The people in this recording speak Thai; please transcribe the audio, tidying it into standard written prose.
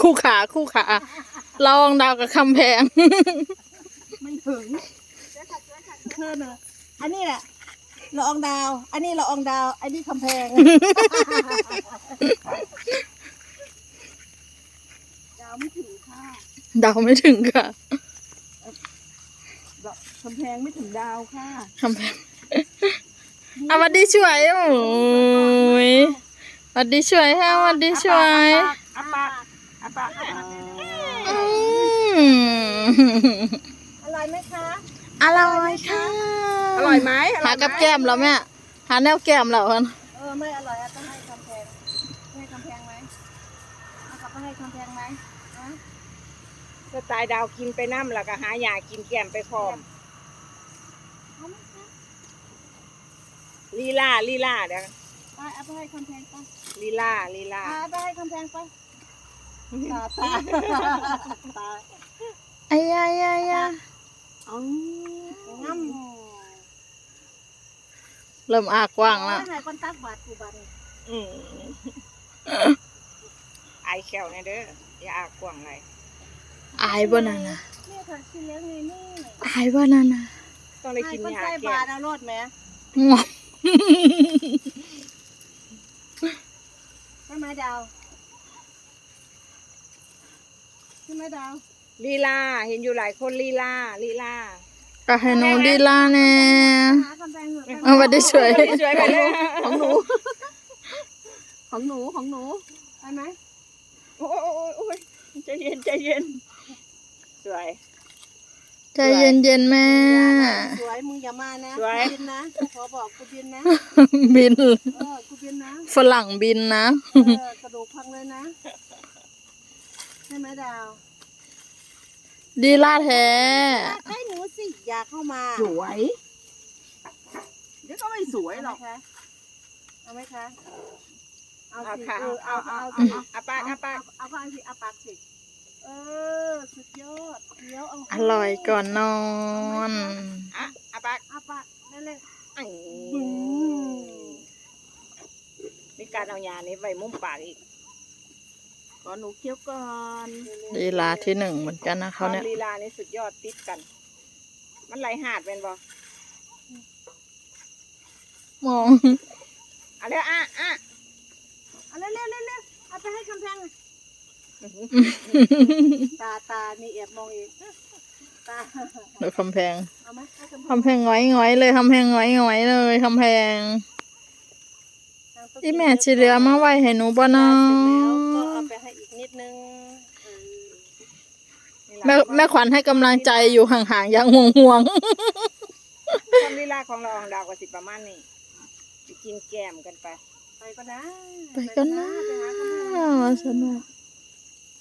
คู่ขาละอองดาวกับคำแพงไม่ถึงเพื่อนเลยอันนี้แหละละอองดาวอันนี้ละอองดาวอันนี้คำแพงดาวไม่ถึงค่ะดาวไม่ถึงค่ะคำแพงไม่ถึงดาวค่ะคำแพงสวัสดีช่วยโอ้ยสวัสดีช่วยฮะสวัสดีช่วยอาปากอืมอร่อยไหมคะอร่อยค่ะอร่อยไหมหากับแก้มแล้วแม่หาแนวแก้มแล้วกันไม่อร่อยต้องให้คำแพงให้คำแพงไหมเอากลับไปให้คำแพงไหมสไตล์ดาวกินไปน้ำแล้วก็หายากินแกมไปพร้อมลีลาเดี๋ยวเอาไปให้คำแพงไปลีลาเอาไปให้คำแพงไปตาไอ้ยางั้มเริ่มอากว้างแล้วให้คนตักบาทกูบาทไอแขวเนี่ยเด้ออย่าอากว้างไรอายบ่นั่นนะนี่ค่ะชิ้นเล็กนี่อายบ่นั่นนะต้องได้กินยาแก้บาทเอารถไหมงวใช่ไหมดาวใช่ไหมดาวลีลาเห็นอยู่หลายคนลีลาก็ให้หนูดีล่าแน่เอาไปได้ช่วยไปเลยของหนูไปไหมโอ้ยใจเย็นสวยใจเย็นแม่สวยมึงอย่ามานะบินนะขอบอกกูบินนะบินกูบินนะฝรั่งบินนะกระดูกพังเลยนะใช่ไหมดาวดีล่าแท้ให้หนูสิอยากเข้ามาสวยเดี๋ยวก็ไม่สวยหรอกเอาไหมคะเอาสิเอาปากเอาข้างสิเอาปากสิสุดยอดเดี๋ยวเอาอร่อยก่อนนอนเอาปากนั่นเลยมีการเอายานี้ไว้มุมปากอีกขอหนูเคี้ยวก่อนลีลาที่หนึ่งเหมือนกันนะเขาเนี่ยลีลานี่สุดยอดติดกันมันไหลหาดเป็นบ่มองเอาเร็วเอาเร็วเอาไปให้คำแพงตานี่แอบมองอีกตาเดี๋ยวคำแพงง้อยเลยคำแพงง้อยเลยคำแพงที่แม่ชีเหลือมาไว้ให้หนูบ่เนาะก็เอาไปให้อีกนิดนึงแม่ขวัญให้กำลังใจอยู่ห่างๆอย่างห่วงความลีลาของเราของดาวกับสิประมาณนี้ไปกินแกมกันไปก็นะสนุก